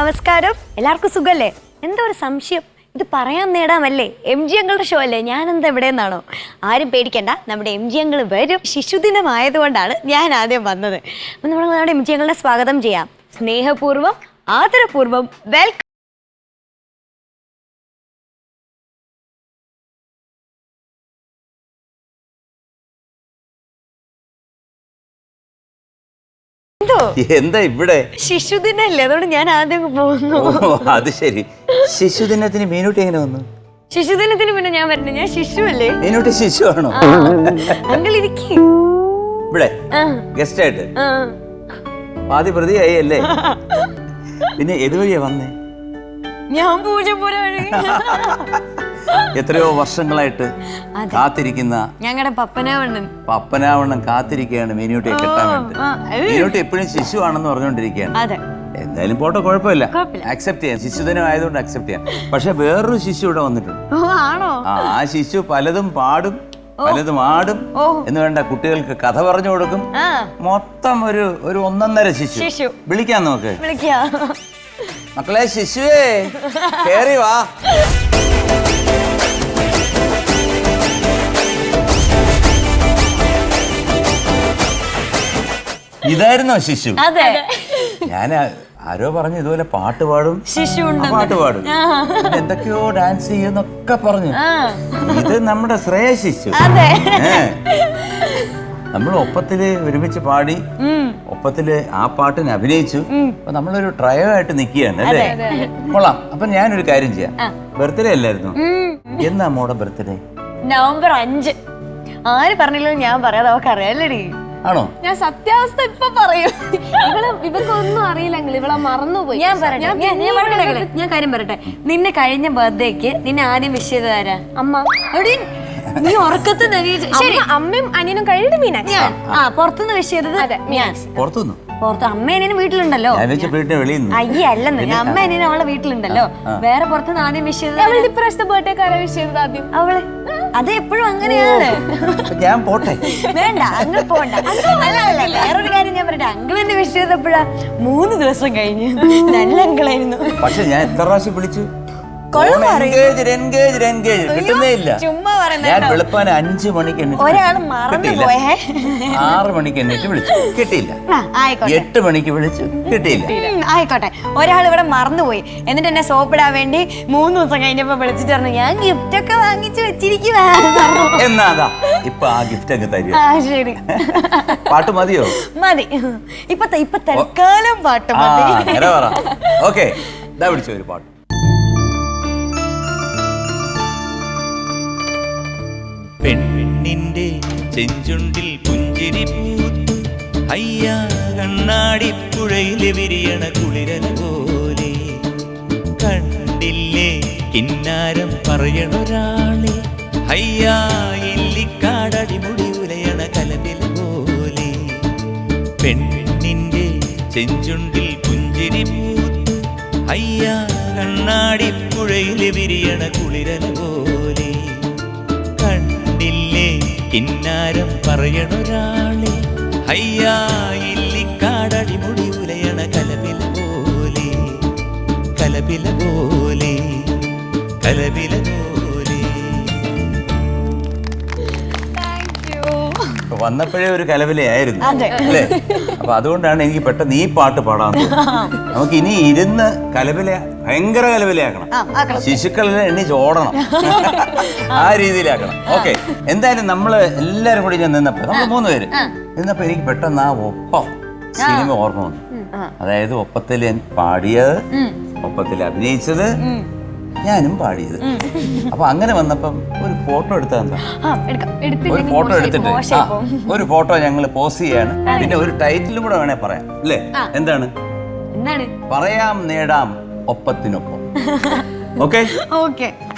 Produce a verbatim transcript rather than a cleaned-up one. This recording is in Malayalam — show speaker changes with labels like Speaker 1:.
Speaker 1: നമസ്കാരം. എല്ലാവർക്കും സുഖല്ലേ? എന്താ ഒരു സംശയം? ഇത് പറയാൻ നേടാമല്ലേ? എം ജി അങ്കിളുടെ ഷോ അല്ലേ? ഞാനെന്താ എവിടെയെന്നാണോ? ആരും പേടിക്കണ്ട, നമ്മുടെ എം ജി അങ്കിൾ വരും. ശിശുദിനമായതുകൊണ്ടാണ് ഞാൻ ആദ്യം വന്നത്. അപ്പം നമ്മൾ നമ്മുടെ എം ജി അങ്കിളിനെ സ്വാഗതം ചെയ്യാം. സ്നേഹപൂർവ്വം ആദരപൂർവ്വം വെൽക്കം.
Speaker 2: എന്താ ഇവിടെ
Speaker 1: ശിശുദിനല്ലേ, അതുകൊണ്ട് ഞാൻ ആദ്യം പോകുന്നു.
Speaker 2: അത് ശരി. ശിശുദിനത്തിന് മീനൂട്ടി എങ്ങനെ വന്നു?
Speaker 1: ശിശുദിനത്തിന് പിന്നെ ഞാൻ വരണേ, ഞാൻ ശിശു അല്ലേ?
Speaker 2: മീനൂട്ടി ശിശു ആണോ?
Speaker 1: അങ്കിൾ ഇരിക്കേ
Speaker 2: ഇവിടെ ഗസ്റ്റ് ആയിട്ട് പാതി പ്രതിയായി അല്ലേ? പിന്നെ എതുവഴിയാ വന്നേ?
Speaker 1: ഞാൻ പൂജപ്പുര വഴി.
Speaker 2: എത്രയോ വർഷങ്ങളായിട്ട് കാത്തിരിക്കുന്ന
Speaker 1: ഞങ്ങളുടെ പപ്പനാവണ്ണൻ
Speaker 2: പപ്പനാവണ്ണൻ കാത്തിരിക്കുകയാണ് മീനൂട്ടിയെ കെട്ടാൻ വേണ്ടി. മീനൂട്ടി എപ്പോഴും ശിശു ആണെന്ന് പറഞ്ഞുകൊണ്ടിരിക്കുകയാണ്. എന്തായാലും പോട്ടെ, കുഴപ്പമില്ല, അക്സെപ്റ്റ് ചെയ്യാം. ശിശുദിനം ആയതുകൊണ്ട് അക്സെപ്റ്റ് ചെയ്യാം. പക്ഷെ വേറൊരു ശിശു ഇവിടെ വന്നിട്ടുണ്ട്. ആ ശിശു പലതും പാടും പലതും ആടും എന്ന് വേണ്ട, കുട്ടികൾക്ക് കഥ പറഞ്ഞു കൊടുക്കും. മൊത്തം ഒരു ഒരു ഒന്നൊന്നര ശിശു. വിളിക്കാം നമുക്ക്. മക്കളെ ശിശുവേ കേറി വാ. ഇതായിരുന്നോ ശിശു? ഞാൻ ആരോ പറഞ്ഞു ഇതുപോലെ പാട്ട് പാടും പാട്ട് പാടും എന്തൊക്കെയോ ഡാൻസ് ചെയ്യുന്നൊക്കെ പറഞ്ഞു. ഇത് നമ്മുടെ ശ്രേയ ശിശു. നമ്മൾ ഒപ്പത്തില് ഒരുമിച്ച് പാടി ഒപ്പത്തില് ആ പാട്ടിന് അഭിനയിച്ചു. അപ്പൊ നമ്മളൊരു ട്രയോ ആയിട്ട് നിക്കുകയാണ് അല്ലേ? കൊള്ളാം. അപ്പൊ ഞാനൊരു കാര്യം ചെയ്യാം. ബർത്ത്ഡേ അല്ലായിരുന്നു? എന്നാ മോടെ ബർത്ത്ഡേ?
Speaker 1: നവംബർ അഞ്ച്. ആര് പറഞ്ഞില്ലോ ഞാൻ പറയാതെ അവർക്ക് അറിയാലടി.
Speaker 2: ആണോ?
Speaker 3: ഞാൻ സത്യാവസ്ഥ ഇപ്പൊ പറയും. ഇവളെ ഇവക്കൊന്നും അറിയില്ലെങ്കിൽ ഇവളെ മറന്നുപോയി.
Speaker 1: ഞാൻ പറയട്ടെ, ഞാൻ കാര്യം പറയട്ടെ. നിന്നെ കഴിഞ്ഞ ബർത്ത്ഡേക്ക് നിന്നെ ആദ്യം വിഷ് ചെയ്തത് ആരാ?
Speaker 3: അമ്മ.
Speaker 1: നീ ഉറക്കത്ത്
Speaker 3: അമ്മയും അനിയനും കഴിഞ്ഞ മീനാക്ഷി.
Speaker 1: ആ പുറത്തുനിന്ന് വിഷ് ചെയ്തത് ഞാൻ.
Speaker 2: പുറത്തുനിന്ന്
Speaker 1: പുറത്ത് അമ്മ അനിയനും വീട്ടിലുണ്ടല്ലോ. അയ്യേ അല്ലെന്ന്, അമ്മ അനിയനും അവളെ വീട്ടിലുണ്ടല്ലോ. വേറെ പുറത്തുനിന്ന് ആദ്യം വിഷ് ചെയ്തത്
Speaker 3: ഇപ്രാവശ്യത്തെ ബർത്ത്ഡേക്ക് ആരാ വിഷ് ചെയ്തത് ആദ്യം?
Speaker 1: അവള്. അത് എപ്പോഴും അങ്ങനെയാണ്.
Speaker 2: ഞാൻ പോട്ടെ.
Speaker 1: വേണ്ട, അങ്കിൾ പോണ്ട. അല്ല അല്ല വേറൊരു കാര്യം ഞാൻ പറയട്ടെ. അങ്കിൾ എന്നെ വിഷ് ചെയ്തപ്പോഴാ മൂന്ന് ദിവസം കഴിഞ്ഞ്. നല്ല അങ്കിളായിരുന്നു.
Speaker 2: പക്ഷെ ഞാൻ എത്ര പ്രാവശ്യം വിളിച്ചു,
Speaker 1: ചുമ്മാ
Speaker 2: ഞാൻ വെളുപ്പാൻ അഞ്ചു മണിക്ക്
Speaker 1: ഒരാള് മറന്നു പോയേ.
Speaker 2: ആറ് മണിക്ക് എണ്ണിട്ട് വിളിച്ചു, കിട്ടിയില്ല. എട്ട് മണിക്ക് വിളിച്ചു, കിട്ടിയില്ല.
Speaker 1: ആയിക്കോട്ടെ, ഒരാൾ ഇവിടെ മറന്നുപോയി. എന്നിട്ട് എന്നെ സോപ്പിടാൻ വേണ്ടി മൂന്ന് ദിവസം കഴിഞ്ഞപ്പോ വിളിച്ചിട്ട് പറഞ്ഞു ഞാൻ ഗിഫ്റ്റ് ഒക്കെ വാങ്ങിച്ചു വെച്ചിരിക്കുവാ.
Speaker 2: എന്നാ ഇപ്പൊ ആ ഗിഫ്റ്റ് ഒക്കെ തരും.
Speaker 1: ആ ശരി.
Speaker 2: പാട്ട് മതിയോ?
Speaker 1: മതി. ഇപ്പൊ ഇപ്പൊ തൽക്കാലം പാട്ട് മതി.
Speaker 2: ഓക്കെ, ഇതാ വിളിച്ചോ ഒരു പാട്ട്.
Speaker 4: പെണ്ണിന്റെ ചെഞ്ചുണ്ടിൽ പുഞ്ചിരി പൂത്തു അയ്യാ കണ്ണാടിപ്പുഴയിൽ വിരിയണ കുളിരൻ പോലെ കണ്ടില്ലേ കിന്നാരം പറയണൊരാളെ അയ്യാ ഇല്ലിക്കാടടിമുടി ഉലയണ കലപില പോലെ പെണ്ണിന്റെ ചെഞ്ചുണ്ടിൽ പുഞ്ചിരി പൂത്തു അയ്യാ കണ്ണാടിപ്പുഴയിൽ വിരിയണ കുളിരൻ പോലെ കിന്നാരം പറയണൊരാളെ അയ്യാ ഇല്ലിക്കാടടിമുടി ഉലയണ കലപില പോലെ കലപില പോലെ കലപില പോലെ.
Speaker 2: വന്നപ്പോഴേ ഒരു കലവിലയായിരുന്നു അല്ലേ? അപ്പൊ അതുകൊണ്ടാണ് എനിക്ക് പെട്ടെന്ന് ഈ പാട്ട് പാടാൻ തോന്നുന്നത്. നമുക്ക് ഇനി ഇരുന്ന് കലവില ഭയങ്കര കലവിലയാക്കണം. ശിശുക്കളെല്ലാം എണ്ണിച്ച് ഓടണം, ആ രീതിയിലാക്കണം. ഓക്കെ, എന്തായാലും നമ്മള് എല്ലാരും കൂടി ഞാൻ നിന്നപ്പോ നമ്മൾ മൂന്ന് പേര് നിന്നപ്പോ എനിക്ക് പെട്ടെന്ന് ആ ഒപ്പം സിനിമ ഓർമ്മ വന്നു. അതായത് ഒപ്പത്തിൽ പാടിയത്, ഒപ്പത്തിൽ അഭിനയിച്ചത്, ഞാനും പാടിയത്. അപ്പൊ അങ്ങനെ വന്നപ്പം ഒരു ഫോട്ടോ എടുത്താൽ എന്താ? ഒരു ഫോട്ടോ എടുത്തിട്ട് ഒരു ഫോട്ടോ ഞങ്ങൾ പോസ്റ്റ് ചെയ്യാണ്. പിന്നെ ഒരു ടൈറ്റിലും കൂടെ വേണേ പറയാം അല്ലേ? എന്താണ്? പറയാം നേടാം ഒപ്പത്തിനൊപ്പം. Okay okay